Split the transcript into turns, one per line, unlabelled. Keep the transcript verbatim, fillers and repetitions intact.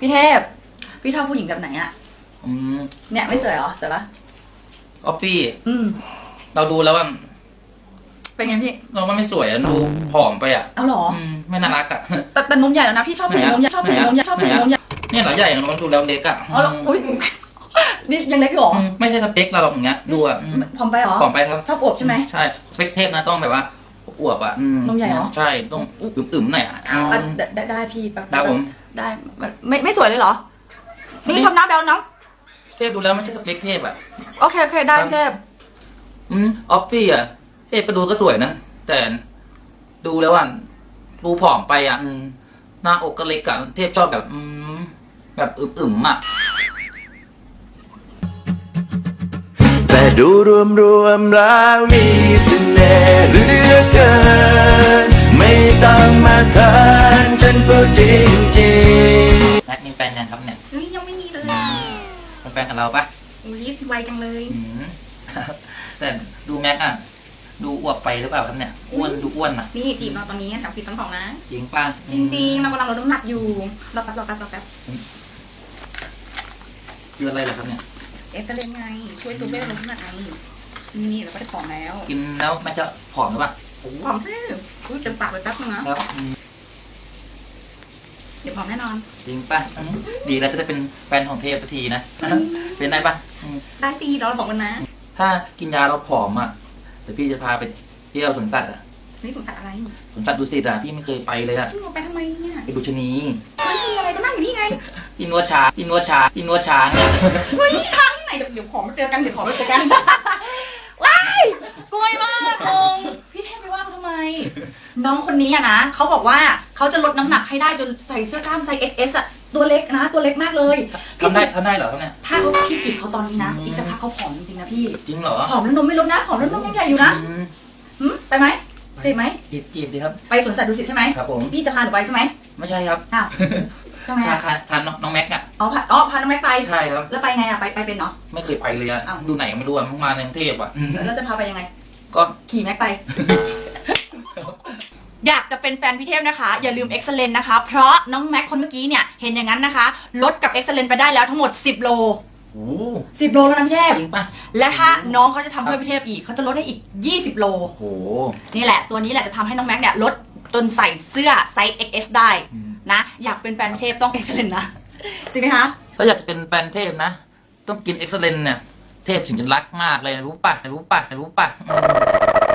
พี่เทพพี่ชอบผู้หญิงแบบไหนอะ
อืม
เนี่ยไม่สวยเหรอสวยปะ
ออฟฟี่
อืม
เราดูแล้วว่า
เป็นไงพี่
เราว่าไม่สวยอะดูผอมไปอ่ะ
เอาหรอ
อืมไม่น่ารักอ่ะ
แต่แต่นมใหญ่แล้วนะพี่ชอบผู้หญิงนมใหญ่ชอบผู้หญิงนมใหญ่ชอบผู้หญิงนมใหญ่
เนี่ยเหรอใหญ่เราดูแล้วเล็กอ่ะ
อ๋ออุ้ยนี่ยังเล็กอยู่หรอ
ไม่ใช่สเปคเราหรอกอย่างเงี้ยดูอ่ะ
ผอมไปหรอ
ผอมไปครับ
ชอบอวบใช่ไหม
ใช่สเปคเทพนะต้องแบบว่าอวบอ่ะ
นมใหญ่เหรอ
ใช่ต้องอึมๆหน่อยอ่ะ
ได้ได้พี่แป๊บ
ได้ผม
ได้ไม่ไม่สวยเลยเหรอนี่ทำหน้าแบลน้อง
เทพดูแล้วไม่ใช่สเปคเทพอ่ะ
โอเคโอเคได้เทพ
อืมออฟฟี่อ่ะเทพไปดูก็สวยนะแต่ดูแล้วอ่ะดูผอมไปอ่ะหน้าอกก็เล็กอ่ะเทพชอบแบบอืมแบบอึมๆอ่ะ
แต่ดูรวมรวมแล้วมีเสน่ห์เหลือเกินไม่ต้องมาเขินฉันพูดจริงจริง
แม็กมีแฟนยังครับเนี่ย
เฮ้ยยังไม่มีเลย
เป็นแฟนกับเราปะ
รีบไวจังเลย
แต่ดูแม็กอะดูอ้วกไปหรือเปล่าครับเนี่ยอ้วนดูอ้วนอะ
นี่จีบเราตอนนี้แถวฟิตต้นของนะ
จริงป่ะ
จริงๆเรากำลังลดน้ำหนักอยู่รอแป๊บรอแป๊บรอแป๊บ
คืออะไรเหรอครับเนี่ย
เอสเตอร์เลนไงช่วยซูเปอร์ลดน้ำหนักไงนี่เราก็ได้ผอมแล้ว
กินแล้วมันจะผอมหรือเปล่า
ผอมซิอุ้ยเต็มปากเลยแป๊บนึงนะครับเดี๋ยวผอมแน่นอน
จริงป่ะดีแล้วจะได้เป็นแฟนของเทพทีนะเป็นได้ป่ะ
ได้ตีเราบอกกันนะ
ถ้ากินยาเราผอมอ่ะเดี๋ยวพี่จะพาไปเที่ยวสวนสัตว์อ่ะ
นี่สวนสัตว์อะไร
สวนสัตว์ดุสิตอ่ะพี่ไม่เคยไปเลยอ่ะ
จริงเหรอไปทำไมเนี่ย
ไปดูชะนี
ไม่ใช่อะไรก็นั่งอยู่นี่ไง
ที่นวดช้างที่นวดช้างที่นวดช้างเนี่ย
เฮ้ยทางที่ไหนเดี๋ยวเดี๋ยวขอมาเจอกันเดี๋ยวขอมาเจอกัน
ว้ายกลัวมากงงพี่เทพไปว่าเขาทำไมน้องคนนี้อะนะเขาบอกว่าเขาจะลดน้ำหนักให้ได้จนใส่เสื้อกล้ามไซส์ เอ็กซ์ เอส อะตัวเล็กนะตัวเล็กมากเลย
ทำได้ทำได้เหรอเขาเนี่ย
ถ้าเขาพี่จีบเขาตอนนี้นะอีกสักพักเขาผอมจริงๆนะพี่
จริงเหรอ
ผอมแล้วนมไม่ลดนะผอมแล้วนมยังใหญ่อยู่นะไปไหมจีบไหม
จีบจีบดีครับ
ไปสวนสัตว์ดุสิตใช่ไหม
ครับผม
พี่จะพาหนูไปใช่ไหม
ไม่ใช่ครับ
อ้าวทำไมอ่ะ
พาน้องแม็กอะ
อ๋อพาอ๋อพาน้องแม็กไป
ใช่ครับ
แล้วไปไงอะไปไปเป็นเนาะ
ไม่เคยไปเลยอะดูไหนไม่รู้อะมาในกรุงเทพอะ
แล้วจะพาไปยังไง
ก็
ขี่แม็กไปอยากจะเป็นแฟนพี่เทพนะคะอย่าลืม Excellent นะคะเพราะน้องแม็กคนเมื่อกี้เนี่ยเห็นอย่างนั้นนะคะลดกับ Excellent ไปได้แล้วทั้งหมดสิบโล
โอ้
สิบโลแล้วนะพี่เทพ
จริงป่ะ
และถ้าน้องเขาจะทำเพื่อพี่เทพอีกเขาจะลดให้อีกยี่สิบโล
โอ้
นี่แหละตัวนี้แหละจะทำให้น้องแม็กเนี่ยลดจนใส่เสื้อไซส์ เอ็กซ์ เอส ได้นะอยากเป็นแฟนพี่เทพต้อง Excellent นะจริงไหมคะ
ถ้าอยากจะเป็นแฟนเทพนะต้องกิน Excellent เนี่ยเทพถึงจะรักมากเลยรู้ป่ะรู้ป่ะรู้ป่ะ